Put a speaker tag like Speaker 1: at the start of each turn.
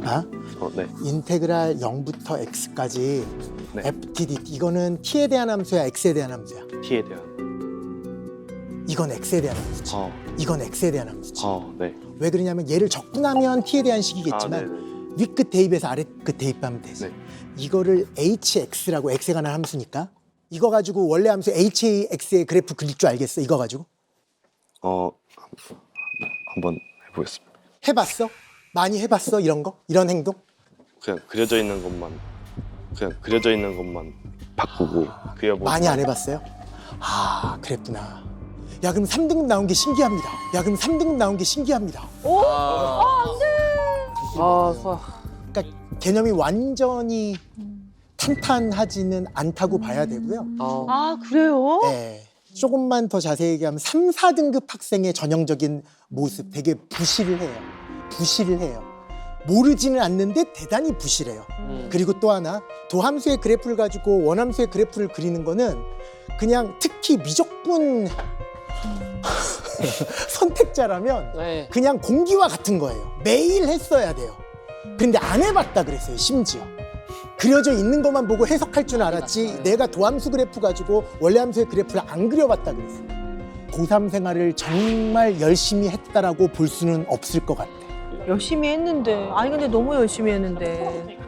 Speaker 1: 봐.
Speaker 2: 네.
Speaker 1: 인테그랄 0부터 x까지
Speaker 2: 네.
Speaker 1: ftdt 이거는 t에 대한 함수야, x에 대한 함수야?
Speaker 2: t에 대한.
Speaker 1: 이건 x에 대한 함수지. 이건 x에 대한 함수지.
Speaker 2: 네.
Speaker 1: 왜 그러냐면 얘를 적분하면 t에 대한
Speaker 2: 아,
Speaker 1: 식이겠지만 윗끝 대입에서 아랫끝 대입하면 되지.
Speaker 2: 네.
Speaker 1: 이거를 hx라고 x에 관한 함수니까 이거 가지고 원래 함수 hx의 그래프 그릴 줄 알겠어? 이거 가지고?
Speaker 2: 한번 해보겠습니다.
Speaker 1: 해봤어? 많이 해봤어? 이런 거? 이런 행동?
Speaker 2: 그냥 그려져 있는 것만 바꾸고 그려보고.
Speaker 1: 많이 안 해봤어요? 아, 그랬구나. 야, 그럼 3등급 나온 게 신기합니다. 그러니까 개념이 완전히 탄탄하지는 않다고 봐야 되고요.
Speaker 3: 아, 그래요?
Speaker 1: 네. 조금만 더 자세히 얘기하면 3, 4등급 학생의 전형적인 모습 되게 부실을 해요. 모르지는 않는데 대단히 부실해요. 그리고 또 하나, 도함수의 그래프를 가지고 원함수의 그래프를 그리는 거는 그냥 특히 미적분 선택자라면
Speaker 4: 네.
Speaker 1: 그냥 공기와 같은 거예요. 매일 했어야 돼요. 근데 안 해봤다 그랬어요, 심지어. 그려져 있는 것만 보고 해석할 줄 알았지 내가 도함수 그래프 가지고 원래 함수의 그래프를 안 그려봤다 그랬어요. 고3 생활을 정말 열심히 했다라고 볼 수는 없을 것 같아.
Speaker 3: 열심히 했는데. 아니, 근데 너무 열심히 했는데.